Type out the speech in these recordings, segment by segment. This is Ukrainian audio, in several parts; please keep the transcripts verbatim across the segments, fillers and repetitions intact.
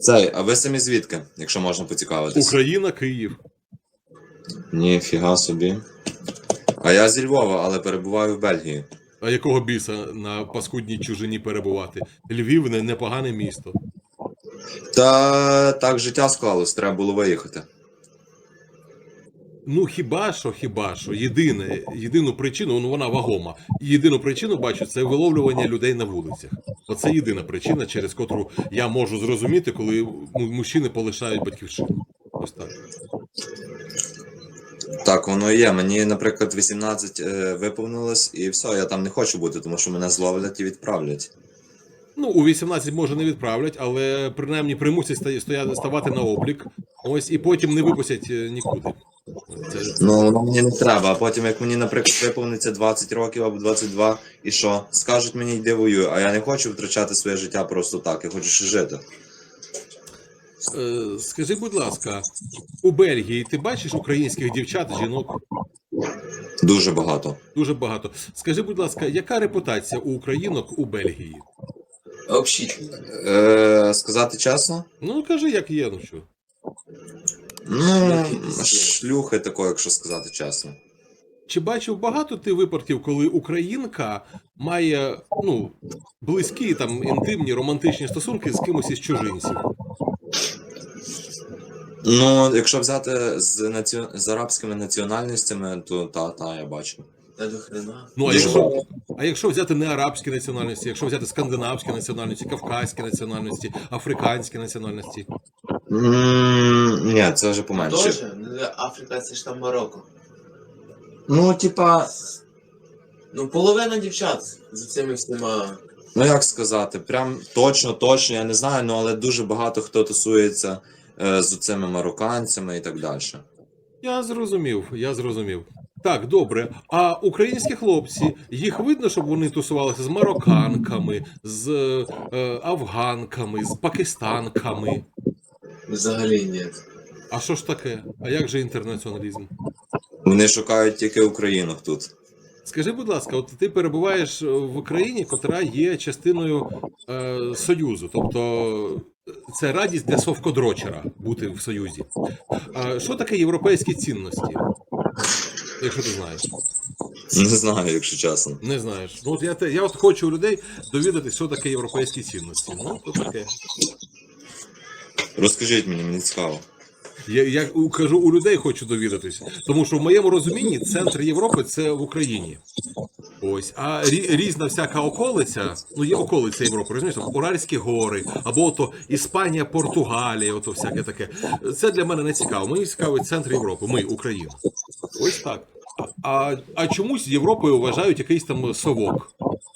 Цей, а ви самі звідки, якщо можна поцікавитись? Україна, Київ. Ніфіга собі. А я зі Львова, але перебуваю в Бельгії. А якого біса на паскудній чужині перебувати? Львів не непогане місто. Та так життя склалось, треба було виїхати. Ну хіба що, хіба що, єдине, єдину причину, ну вона вагома. Єдину причину бачу, це виловлювання людей на вулицях. Оце єдина причина, через котру я можу зрозуміти, коли мужчини полишають батьківщину. Ось так. Так, воно і є. Мені, наприклад, вісімнадцять е, виповнилось, і все, я там не хочу бути, тому що мене зловлять і відправлять. Ну, у вісімнадцять може не відправлять, але принаймні примусять стояти, ставати на облік. Ось і потім не випустять нікуди. Це... Ну, воно мені не треба, а потім, як мені, наприклад, виповниться двадцять років або двадцять два, і що? Скажуть мені, йди воюй, а я не хочу втрачати своє життя просто так, я хочу ще жити. Е, скажи, будь ласка, у Бельгії ти бачиш українських дівчат, жінок? Дуже багато. Дуже багато. Скажи, будь ласка, яка репутація у українок у Бельгії? Общительно. Е, сказати чесно? Ну, кажи, як є, ну що. Ну, шлюхи такої, якщо сказати чесно. Чи бачив багато ти випадків, коли українка має, ну, близькі, там, інтимні, романтичні стосунки з кимось із чужинців? Ну, якщо взяти з, наці... з арабськими національностями, то та, та, я бачу. Та до хрена. Ну, а Дуже якщо, багато. а якщо взяти не арабські національності, якщо взяти скандинавські національності, кавказькі національності, африканські національності? М, Ні, це вже поменше. Тоже? Ну, Африка це ж там Марокко. Ну, типа, Ну, половина дівчат за цими всіма. ну як сказати, прям точно, точно, я не знаю, ну але дуже багато хто тусується е, з цими марокканцями і так далі. Я зрозумів, я зрозумів. Так, добре. А українські хлопці, їх видно, щоб вони тусувалися з марокканками, з е, афганками, з пакистанками? Взагалі ні. А що ж таке? А як же інтернаціоналізм? Вони шукають тільки українок тут. Скажи, будь ласка, от ти перебуваєш в Україні, котра є частиною е, Союзу, тобто це радість для совкодрочера бути в Союзі. А що таке європейські цінності? Якщо ти знаєш. Не знаю, якщо чесно. Не знаєш. Ну от я, те- я от хочу у людей довідатися, що таке європейські цінності. Ну, то таке. Розкажіть мені, мені цікаво. Я, я у- кажу, у людей хочу довідатися. Тому що в моєму розумінні центр Європи це в Україні. Ось. А рі, різна всяка околиця, ну є околиця Європи, розумієш, там Уральські гори, або ото Іспанія, Португалія, ото всяке таке. Це для мене не цікаво. Мені цікавий центр Європи, ми, Україна. Ось так. А, а, а чомусь Європою вважають якийсь там совок.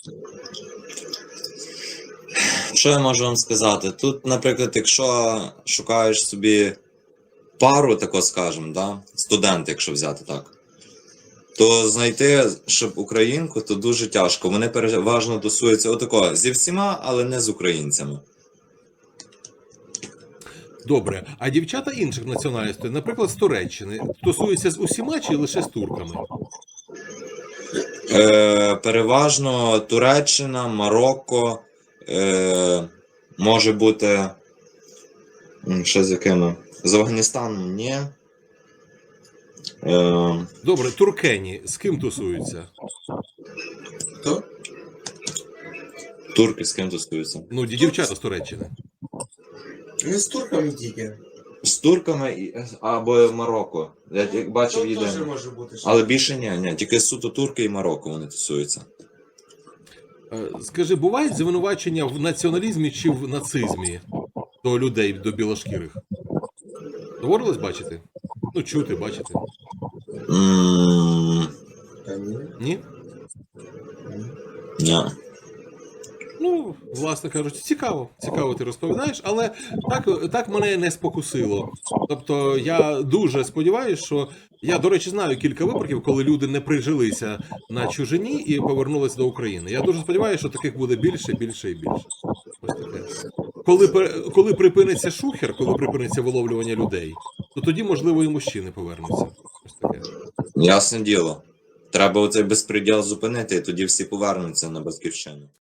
Що я можу вам сказати? Тут, наприклад, якщо шукаєш собі пару, тако скажемо, да? Студент, якщо взяти так, то знайти, щоб українку, то дуже тяжко. Вони переважно тусуються отако зі всіма, але не з українцями. Добре, а дівчата інших національностей, наприклад, з Туреччини, тусуються з усіма чи лише з турками? Е, переважно Туреччина, Марокко, е, може бути. м, Ще з якими? З Афганістаном ні. Е, Добре, туркені з ким тусуються? Хто? турки з ким тусуються? Ну, ді- дівчата з Туреччини. Не з турками тільки. З турками і- або Марокко. Я як бачив Тут теж єдине. може бути. що- Але більше ні, ні, тільки суто турки і Марокко вони тусуються. Е, Скажи, бувають звинувачення в націоналізмі чи в нацизмі до людей, до білошкірих? Доводилось бачити? Ну, чути, бачити. М, Та ні. Ні? Ні. Ну, власне кажучи, цікаво. Цікаво ти розповідаєш, але так, так мене не спокусило. Тобто я дуже сподіваюся, що я, до речі, знаю кілька випадків, коли люди не прижилися на чужині і повернулися до України. Я дуже сподіваюся, що таких буде більше, більше і більше. Ось таке. Коли, пер- коли припиниться шухер, коли припиниться виловлювання людей, то тоді, можливо, і мужчини повернуться. Ось таке. Ясне діло. Треба оцей безпреділ зупинити, і тоді всі повернуться на батьківщину.